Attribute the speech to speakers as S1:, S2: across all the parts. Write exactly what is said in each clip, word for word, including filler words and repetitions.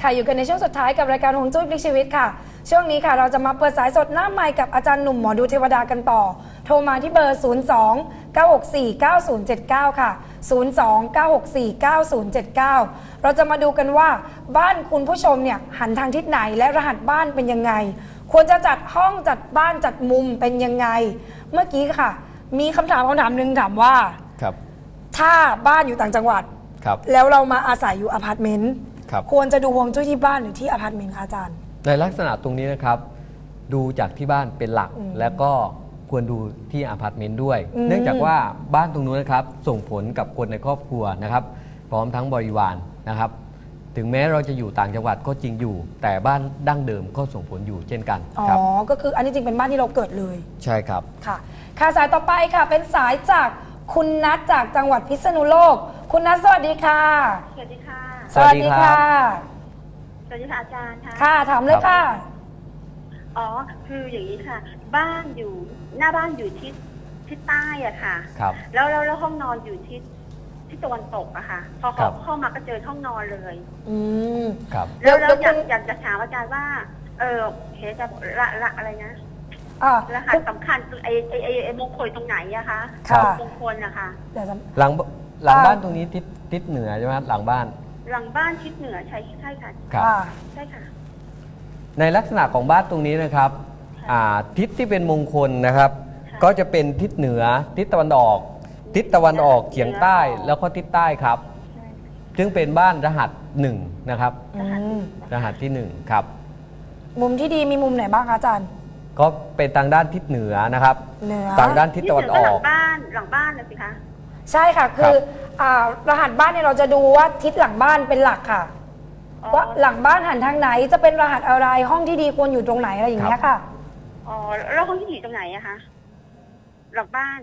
S1: ค่ะอยู่กันในช่วงสุดท้ายกับรายการฮวงจุ้ยพลิกชีวิตค่ะช่วงนี้ค่ะเราจะมาเปิดสายสดหน้าไมค์กับอาจารย์หนุ่มหมอดูเทวดากันต่อโทรมาที่เบอร์ ศูนย์ สอง เก้า หก สี่ เก้า ศูนย์ เจ็ด เก้า ค่ะ ศูนย์ สอง เก้า หก สี่ เก้า ศูนย์ เจ็ด เก้า เราจะมาดูกันว่าบ้านคุณผู้ชมเนี่ยหันทางทิศไหนและรหัสบ้านเป็นยังไงควรจะจัดห้องจัดบ้านจัดมุมเป็นยังไงเมื่อกี้ค่ะมีคำถามคำถามหนึ่งถามว่า
S2: ครับ
S1: ถ้าบ้านอยู่ต่างจังหวัด
S2: ครับ
S1: แล้วเรามาอาศัยอยู่อพาร์ตเมนต์
S2: ครับ
S1: ควรจะดูฮวงจุ้ยที่บ้านหรือที่อพาร์ตเมนต์คะอาจารย์
S2: ในลักษณะตรงนี้นะครับดูจากที่บ้านเป็นหลักแล้วก็ควรดูที่อพาร์ตเมนต์ด้วยเนื่องจากว่าบ้านตรงนู้นนะครับส่งผลกับคนในครอบครัวนะครับพร้อมทั้งบริวารนะครับถึงแม้เราจะอยู่ต่างจังหวัดก็จริงอยู่แต่บ้านดั้งเดิมก็ส่งผลอยู่เช่นกัน
S1: อ๋อก็คืออันนี้จริงเป็นบ้านที่เราเกิดเลย
S2: ใช่ครับ
S1: ค่ะค่ะสายต่อไปค่ะเป็นสายจากคุณนัทจากจังหวัดพิษณุโลกคุณนัทสวัสดีค่ะ
S3: สวัสดีค่ะ
S2: สวัสดีค่ะ
S3: สวัสดีค่ะอาจารย์ค่ะ
S1: ค่ะถามเลยค่ะ
S3: อ๋อคืออย่างนี้ค่ะบ้านอยู่หน้าบ้านอยู่ทิศทิศใต้อะค่ะ
S2: ครับ
S3: แล้วแล้วแล้วห้องนอนอยู่ทิศทิศตะวันตกอะค่ะพอเขาเข้ามาก็เจอห้องนอนเลย
S1: อืม
S2: ครับ
S3: แล้วแล้วอยากอยากจะถามอาจารย์ว่าเออเห็นจะละละอะไรนะรหัสสำคัญไอไอไอไอมงคลตรงไหนอะคะมงคลอะค่ะ
S2: หลังหลังบ้านตรงนี้ทิศทิศเหนือใช่ไหมหลังบ้าน
S3: หลังบ้านทิศเหนือใช่ใช่ค่ะ
S2: ครับ
S3: ใช่ค่ะ
S2: ในลักษณะของบ้านตรงนี้นะครับทิศที่เป็นมงคลนะครับก็จะเป็นทิศเหนือทิศตะวันออกทิศตะวันออกเฉียงใต้แล้วก็ทิศใต้ครับซึ่งเป็นบ้านรหัสหนึ่งนะครับรหัสที่หนึ่งครับ
S1: มุมที่ดีมีมุมไหนบ้างคะอาจารย์
S2: ก็เป็นทางด้านทิศเหนือนะครับทางด้านทิศตะวันออก
S3: หลังบ้านหลังบ้านนะสิคะ
S1: ใช่ค่ะคือรหัสบ้านเนี่ยเราจะดูว่าทิศหลังบ้านเป็นหลักค่ะว่าหลังบ้านหันทางไหนจะเป็นรหัสอะไรห้องที่ดีควรอยู่ตรงไหนอะไรอย่างเงี้ยค่ะ
S3: อ๋อแล้วห้องที่อยู่ตรงไหนอะคะหลังบ้าน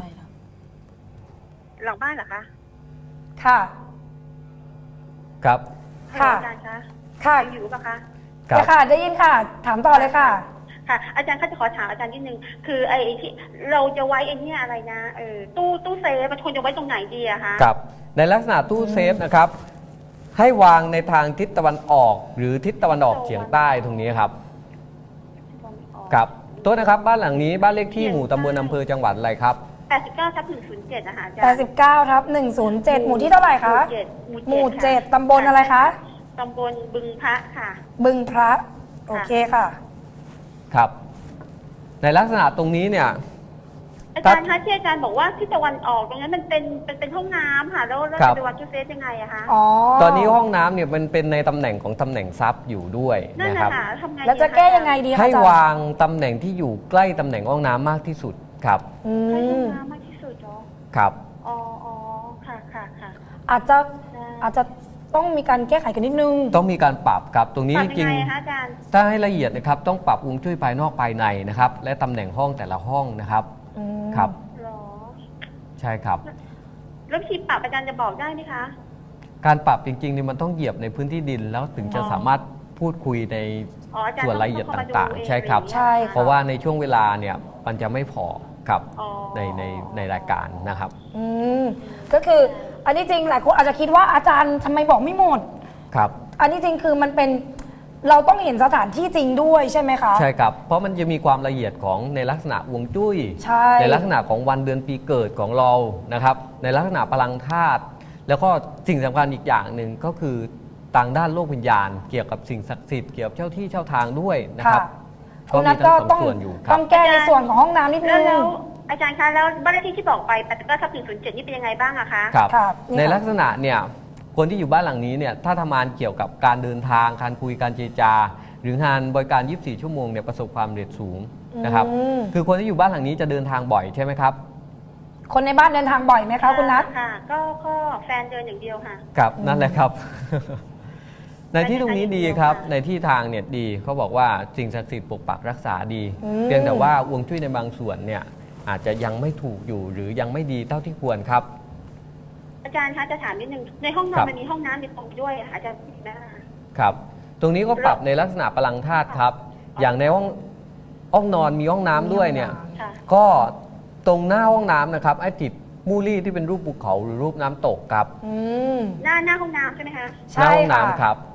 S3: หลังบ้านเหรอคะ
S1: ค่ะ
S2: ครับ
S1: ค่ะ
S3: อาจารย์คะ
S1: ค่ะ
S3: อยู่ปะคะ
S1: ค่ะได้ยินค่ะถามต่อเลยค่ะ
S3: ค่ะอาจารย์ข้าจะขอถามอาจารย์นิดนึงคือไอ้ที่เราจะไว้ไอ้นี่อะไรนะเออตู้ตู้เซฟมันควรจะไว้ตรงไหนดีอะคะ
S2: ครับในลักษณะตู้เซฟนะครับให้วางในทางทิศตะวันออกหรือทิศตะวันออกเฉียงใต้ตรงนี้ครับครับโทษนะครับบ้านหลังนี้บ้านเลขที่หมู่ตำบลอำเภอจังหวัดอะไรครับ
S3: แปดสิบเก้าทับหนึ่งศูนย์เจ็ดนะคะอาจารย์
S1: แปดสิบเก้าทับหนึ่งศูนย์เจ็ดหมู่ที่เท่าไหร่คะหมู่เจ็ดตำบลอะไรคะ
S3: ตำบลบึงพระค่ะ
S1: บึงพระโอเคค่ะ
S2: ครับในลักษณะตรงนี้เนี่ย
S3: อาจารย์คะที่อาจารย์บอกว่าที่ตะวันออกตรงนั้นมันเป็นเป็นเป็นห้องน้ำค่ะแล้วเราจะวางตู้เซฟยังไงอะคะ
S1: อ๋อ
S2: ตอนนี้ห้องน้ำเนี่ยมันเป็นในตำแหน่งของตำแหน่งทรัพย์อยู่ด้วยนะครับ
S1: แล้วจะแก้ยังไงดีคะ
S2: ให้วางตำแหน่งที่อยู่ใกล้ตำแหน่งห้องน้ำมากที่สุดครับ
S3: ใกล้ห้องน้ำมากที่สุดเหรอ
S2: ครับ
S3: อ๋ออ๋อค่ะค่ะค่ะ
S1: อาจจะอาจจะต้องมีการแก้ไขกันนิดนึง
S2: ต้องมีการปรับครับตรงนี้จริงๆถ้าให้ละเอียดนะครับต้องปรับฮวงจุ้ยภายนอกภายในนะครับและตำแหน่งห้องแต่ละห้องนะครับครับใช่ครับ
S3: แล้ววิธีปรับอาจารย์จะบอกได้ไหมคะ
S2: การปรับจริงๆนี่มันต้องเหยียบในพื้นที่ดินแล้วถึงจะสามารถพูดคุยในส่วนรายละเอียดต่างๆใช่ครับ
S1: ใช่
S2: เพราะว่าในช่วงเวลาเนี่ยมันจะไม่พอครับในในในรายการนะครับ
S1: อืมก็คืออันนี้จริงหลายคนอาจจะคิดว่าอาจารย์ทำไมบอกไม่หมด
S2: ครับ
S1: อันนี้จริงคือมันเป็นเราต้องเห็นสถานที่จริงด้วยใช่ไหมคะ
S2: ใช่ครับเพราะมันจะมีความละเอียดของในลักษณะฮวงจุ้ย
S1: ใช่
S2: ในลักษณะของวันเดือนปีเกิดของเรานะครับในลักษณะพลังธาตุแล้วก็สิ่งสำคัญอีกอย่างหนึ่งก็คือต่างด้านโลกวิญญาณเกี่ยวกับสิ่งศักดิ์สิทธิ์เกี่ยวกับเจ้าที่เจ้าทางด้วยนะครับ
S1: ก็มีทั้งสองส่วนอยู่ครับต้องแก้ในส่วนของห้องน้ำนิดนึง
S3: แล้วอาจารย์คะแล้วบ้านเลขที่ที่บอกไปแปดสิบเก้าทับหนึ่งศูนย์เจ็ดนี่เป็นยังไงบ้างอะคะ
S2: ครับในลักษณะเนี่ยคนที่อยู่บ้านหลังนี้เนี่ยถ้าทำงานเกี่ยวกับการเดินทางการคุยการเจรจาหรืองานบริการยี่สิบสี่ชั่วโมงเนี่ยประสบความสำเร็จสูงนะครับคือคนที่อยู่บ้านหลังนี้จะเดินทางบ่อยใช่ไหมครับ
S1: คนในบ้านเดินทางบ่อยไหมคะคุณนัท
S3: ค่ะก็ก็แฟนเดินอย่างเดียวค่ะ
S2: ครับนั่นแหละครับในที่ตรงนี้ดีครับในที่ทางเนี่ยดีเขาบอกว่าสิ่งศักดิ์สิทธิ์ปกปักรักษาดีเพียงแต่ว่าฮวงจุ้ยในบางส่วนเนี่ยอาจจะยังไม่ถูกอยู่หรือยังไม่ดีเท่าที่ควรครับ
S3: อาจารย์คะจะถามนิดนึงในห้องนอนมันมีห้องน้ำมีตรงด้วยอาจารย์พูดได้
S2: ครับตรงนี้ก็ปรับในลักษณะพลังธาตุครับอย่างในห้องห้องนอนมีห้องน้ำด้วยเนี่ยก็ตรงหน้าห้องน้ำนะครับไอ้ติดมูลี่ที่เป็นรูปภูเขาหรือรูปน้ำตกครับ
S3: หน้าหน้าห้องน้ำใช่ไหมคะ
S2: หน้าห้องน้ำครับ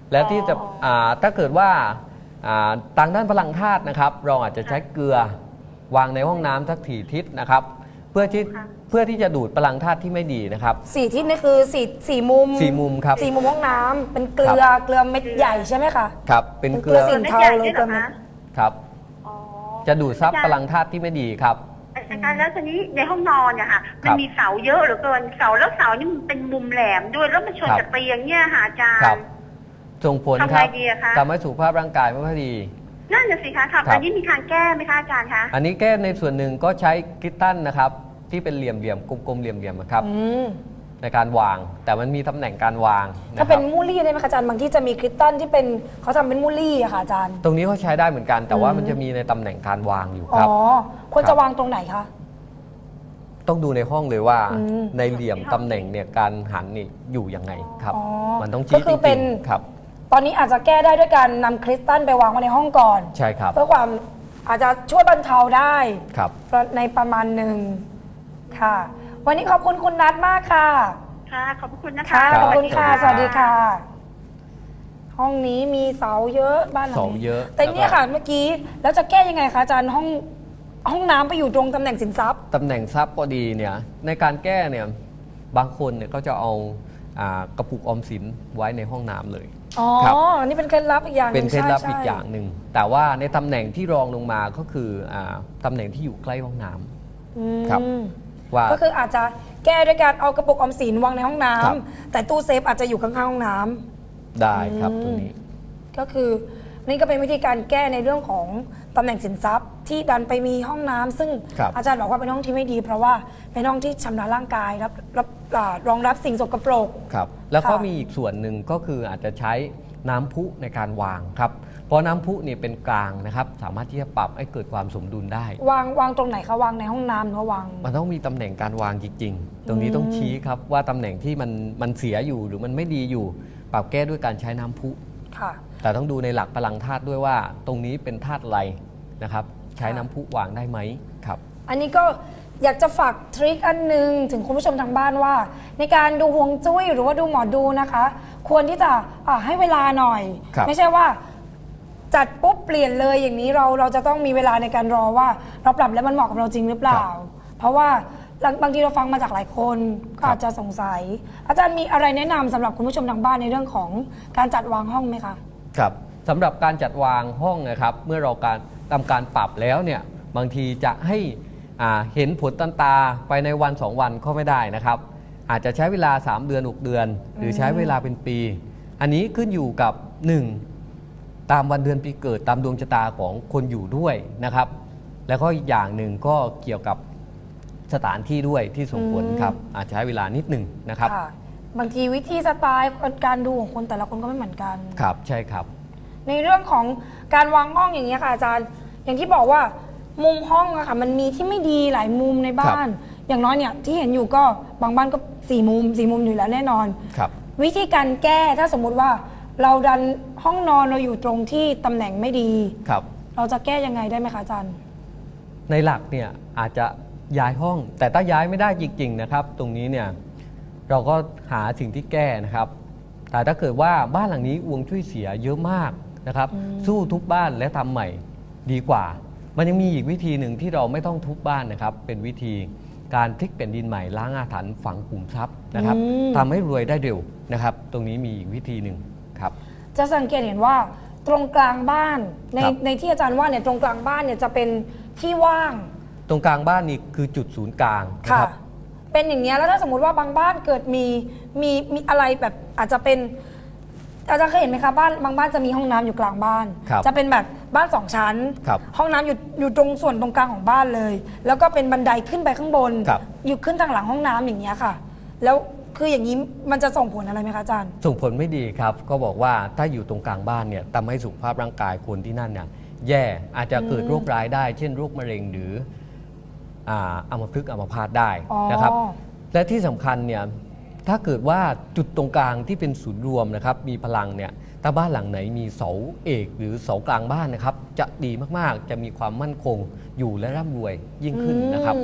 S2: แล้วที่จะอ่าถ้าเกิดว่าอ่าทางด้านพลังธาตุนะครับเราอาจจะใช้เกลือวางในห้องน้ำสักถี่ทิศนะครับเพื่อที่เพื่อที่จะดูดพลังธาตุที่ไม่ดีนะครับ
S1: สี่ทิศนี่คือสี่สี่มุม
S2: สี่มุมครับ
S1: สี่มุมห้องน้ำเป็นเกลือเกลือเม็ดใหญ่ใช่ไหมคะ
S2: ครับเป็นเกลื
S1: เกลื
S2: อ
S1: อสินเทาเลย
S3: เกลือเม็ดใหญ่ด้วยเหรอคะ
S2: ครับ
S3: อ๋อ
S2: จะดูดซับพลังธาตุที่ไม่ดีครับ
S3: อาจารย์แล้วทีนี้ในห้องนอนเนี่ยค่ะ
S2: ครั
S3: มัน
S2: บ
S3: มีเสาเยอะเหลือเกินเสาแล้วเสานี่มันเป็นมุมแหลมด้วยแล้วมันชน
S2: ครับ
S3: กับเตียงเนี่ยค่ะอาจาร
S2: ครับ
S3: ย์
S2: ส่งผล
S3: ทำไง
S2: ครับ
S3: ดีอะคะ
S2: ทำให้สุขภาพร่างกายไม่ค่อยดี
S3: นั่นน่ะสิคะครับ
S2: ครับ
S3: อันนี้มีทางแก้ไหมคะอาจารย์คะ
S2: อันนี้แก้ในส่วนหนึ่งก็ใช้กริตตันนะครับที่เป็นเหลี่ยมเหลี่ยมๆกลมๆเหลี่ยมเหลี่ยมๆนะครับ
S1: อืม
S2: ในการวาง แต่มันมีตำแหน่งการวางนะ
S1: ถ้า
S2: ค
S1: เป็
S2: รั
S1: น
S2: บ
S1: มูลลี่ได้ไหมคะอาจารย์บางที่จะมีคริสตัลที่เป็นเขาทำเป็นมูลลี่อะค่ะอาจารย์
S2: ตรงนี้ก็ใช้ได้เหมือนกัน แต่ว่า
S1: อืม
S2: มันจะมีในตำแหน่งการวางอยู่
S1: อ๋
S2: ค
S1: อ
S2: รับ
S1: ควร
S2: ครั
S1: จะ
S2: บ
S1: วางตรงไหนคะ
S2: ต้องดูในห้องเลยว่า
S1: อืม
S2: ในเหลี่ยมตำแหน่งเนี่ยการหันนี่อยู่ยังไงครับ
S1: อ๋อ
S2: มันต้อง
S1: ก็
S2: ชี้
S1: คื
S2: จ
S1: อเป็
S2: ริ
S1: น
S2: งๆครับ
S1: ตอนนี้อาจจะแก้ได้ด้วยการนำคริสตัลไปวางไว้ในห้องก่อน
S2: ใช่ครับ
S1: เพื่อความอาจจะช่วยบรรเทาได้
S2: ครับ
S1: ในประมาณหนึ่งค่ะ วันนี้ขอบคุณคุณนัทมากค่ะ
S3: ค่ะ ขอบพระคุณนะคะ
S1: ค่ะ
S2: รับ
S1: ขอบคุณค่ะ
S2: ส
S1: ส
S2: วั
S1: วั
S2: ส
S1: ส
S2: ดี
S1: ดี
S2: ครั
S1: ค่ะ
S2: บ
S1: ห้องนี้มีเสาเยอะบ้านหลัง
S2: เสา
S1: นี้
S2: เยอะ
S1: แต่เนี่ย
S2: แล้วก็
S1: ค่ะเมื่อกี้แล้วจะแก้ยังไงคะอาจารย์ห้องห้องน้ำไปอยู่ตรงตำแหน่งสินทรัพย์
S2: ตำแหน่งทรัพย์ก็ดีเนี่ยในการแก้เนี่ยบางคนเนี่ยก็จะเอาอ่ากระปุกออมสินไว้ในห้องน้ำเลย
S1: อ๋อ
S2: ครับ
S1: นี่เป็นเคล็ดลับอีกอย่างห
S2: เป็น
S1: ง
S2: เคล็ดลับ
S1: ใช่
S2: อีกอย่างหนึ่งแต่ว่าในตำแหน่งที่รองลงมาก็คืออาตำแหน่งที่อยู่ใกล้ห้องน้ำ
S1: อืม
S2: ครับ ว่า
S1: ก็คืออาจจะแก้ด้วยการเอากระปุกออมสินวางในห้องน้ำ
S2: ครับ
S1: แต่ตู้เซฟอาจจะอยู่ข้างๆห้องน้ำ
S2: ได้ครับ
S1: อืม
S2: ตรงนี้
S1: ก็คือนี่ก็เป็นวิธีการแก้ในเรื่องของตำแหน่งสินทรัพย์ ที่ดันไปมีห้องน้ำซึ่ง
S2: ครับ
S1: อาจารย์บอกว่าเป็นห้องที่ไม่ดี เพราะว่าเป็นห้องที่ชำระร่างกายรับรับอ่ารองรับสิ่งสกปรก
S2: ครับแล้วก็
S1: ค่ะ
S2: มีอีกส่วนหนึ่งก็คืออาจจะใช้น้ำพุในการวางครับเพราะน้ำพุเนี่ยเป็นกลางนะครับสามารถที่จะปรับให้เกิดความสมดุลได้
S1: วางวางตรงไหนคะวางในห้องน้ำหรือว่าวาง
S2: มันต้องมีตำแหน่งการวางจริงๆ ตรงนี้ต้องชี้ครับว่าตำแหน่งที่มันมันเสียอยู่หรือมันไม่ดีอยู่ ปรับแก้ด้วยการใช้น้ำพุ
S1: ค่ะ
S2: แต่ต้องดูในหลักพลังธาตุด้วยว่า ตรงนี้เป็นธาตุอะไรนะครับ ใช้
S1: ค่ะ
S2: น้ำพุวางได้ไหมครับ
S1: อันนี้ก็อยากจะฝากทริคอันหนึงถึงคุณผู้ชมทางบ้านว่า ในการดูฮวงจุ้ยหรือว่าดูหมอดูนะคะ ควรที่จะอ่ะให้เวลาหน่อย
S2: ครับ
S1: ไม่ใช่ว่าจัดปุ๊บเปลี่ยนเลยอย่างนี้เราเราจะต้องมีเวลาในการรอว่าเราปรับแล้วมันเหมาะกับเราจริงหรือเปล่า เพราะว่าบางทีเราฟังมาจากหลายคนก็อาจจะสงสัย อาจารย์มีอะไรแนะนำสำหรับคุณผู้ชมทางบ้านในเรื่องของการจัดวางห้องไหมคะ
S2: ครับสำหรับการจัดวางห้องนะครับ เมื่อเราการทำการปรับแล้วเนี่ยบางทีจะให้อ่าเห็นผลตันตาไปในวันสองวันก็ไม่ได้นะครับ อาจจะใช้เวลาสามเดือนหกเดือน หรือใช้เวลาเป็นปี อันนี้ขึ้นอยู่กับหนึ่งตามวันเดือนปีเกิดตามดวงชะตาของคนอยู่ด้วยนะครับ แล้วก็อีกอย่างหนึ่งก็เกี่ยวกับสถานที่ด้วยที่ส่งผลครับอาจจะใช้เวลานิดหนึ่งนะครับ
S1: ค่ะ บางทีวิธีสไตล์การดูของคนแต่ละคนก็ไม่เหมือนกัน
S2: ครับใช่ครับ
S1: ในเรื่องของการวางห้องอย่างเงี้ยค่ะอาจารย์ อย่างที่บอกว่ามุมห้องอะค่ะมันมีที่ไม่ดีหลายมุมในบ้าน อย่างน้อยเนี่ยที่เห็นอยู่ก็บางบ้านก็สี่มุมสี่มุมอยู่แล้วแน่นอน
S2: ครับ
S1: วิธีการแก้ถ้าสมมุติว่าเราดันห้องนอนเราอยู่ตรงที่ตำแหน่งไม่ดี
S2: ครับ
S1: เราจะแก้ยังไงได้ไหมคะอาจารย์
S2: ในหลักเนี่ยอาจจะย้ายห้อง แต่ถ้าย้ายไม่ได้จริงๆนะครับ ตรงนี้เนี่ยเราก็หาสิ่งที่แก้นะครับ แต่ถ้าเกิดว่าบ้านหลังนี้อวงจุ้ยเสียเยอะมากนะครับ สู้ทุบบ้านและทำใหม่ดีกว่า มันยังมีอีกวิธีหนึ่งที่เราไม่ต้องทุบบ้านนะครับ เป็นวิธีการพลิกแผ่นดินใหม่ล้างอาถรรพ์ฝังขุมทรัพย์นะครับ
S1: อืม
S2: ทำให้รวยได้เร็วนะครับ ตรงนี้มีอีกวิธีหนึ่งครับ
S1: จะสังเกตเห็นว่าตรงกลางบ้านใน
S2: ครับ
S1: ในที่อาจารย์ว่าเนี่ยตรงกลางบ้านเนี่ยจะเป็นที่ว่าง
S2: ตรงกลางบ้านนี่คือจุดศูนย์กลางนะ
S1: ค่ะ
S2: ครับ
S1: เป็นอย่างเงี้ยแล้วถ้าสมมติว่าบางบ้านเกิดมีมีมีอะไรแบบอาจจะเป็นอาจารย์เคยเห็นไหมคะบ้านบางบ้านจะมีห้องน้ำอยู่กลางบ้าน
S2: ครับ
S1: จะเป็นแบบบ้านสองชั้น
S2: ครับ
S1: ห้องน้ำอยู่อยู่ตรงส่วนตรงกลางของบ้านเลย แล้วก็เป็นบันไดขึ้นไปข้างบน
S2: ครับ
S1: อยู่ขึ้นทางหลังห้องน้ำอย่างเงี้ยค่ะ แล้วคืออย่างนี้มันจะส่งผลอะไรไหมคะอาจารย์
S2: ส่งผลไม่ดีครับ ก็บอกว่าถ้าอยู่ตรงกลางบ้านเนี่ยทำให้สุขภาพร่างกายคนที่นั่นเนี่ยแย่อาจจะเกิดโรคร้ายได้ เช่นโรคมะเร็งหรืออ่าอัมพฤกษ์อัมพาตได้
S1: อ๋อ
S2: นะครับ และที่สำคัญเนี่ยถ้าเกิดว่าจุดตรงกลางที่เป็นศูนย์รวมนะครับมีพลังเนี่ยถ้าบ้านหลังไหนมีเสาเอกหรือเสากลางบ้านนะครับ จะดีมากๆ จะมีความมั่นคงอยู่และร่ำรวยยิ่งขึ้นนะครับ
S1: อืม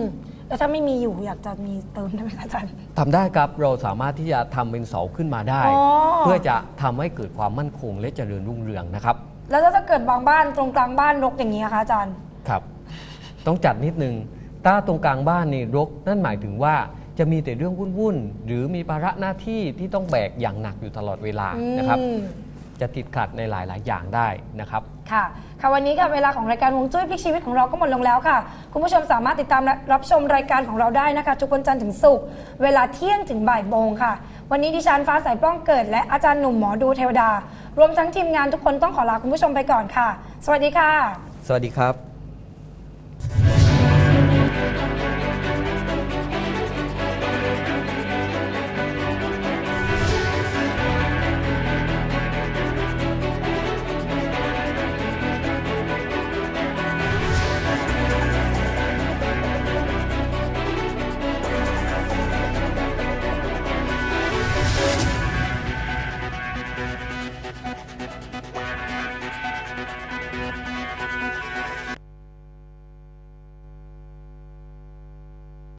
S1: แล้วถ้าไม่มีอยู่อยากจะมีเติมได้ไหมอาจารย์
S2: ทำได้ครับเราสามารถที่จะทำเป็นเสาขึ้นมาได้ เพื่อจะทำให้เกิดความมั่นคงและเจริญรุ่งเรืองนะครับ
S1: แล้วถ้าเกิดบางบ้านตรงกลางบ้านรกอย่างนี้คะอาจารย์
S2: ครับต้องจัดนิดนึงถ้าตรงกลางบ้านนี่รกนั่นหมายถึงว่าจะมีแต่เรื่องวุ่นๆหรือมีภาระหน้าที่ที่ต้องแบกอย่างหนักอยู่ตลอดเวลานะครับจะติดขัดในหลายๆอย่างได้นะครับ
S1: ค่ะค่ะวันนี้ค่ะเวลาของรายการฮวงจุ้ยพลิกชีวิตของเราก็หมดลงแล้วค่ะคุณผู้ชมสามารถติดตามรับชมรายการของเราได้นะคะทุกวันจันทร์ถึงศุกร์เวลาเที่ยงถึงบ่ายโมงค่ะวันนี้ดิฉันฟ้าใสป้องเกิดและอาจารย์หนุ่มหมอดูเทวดารวมทั้งทีมงานทุกคนต้องขอลาคุณผู้ชมไปก่อนค่ะสวัสดีค่ะ
S2: สวัสดีครับ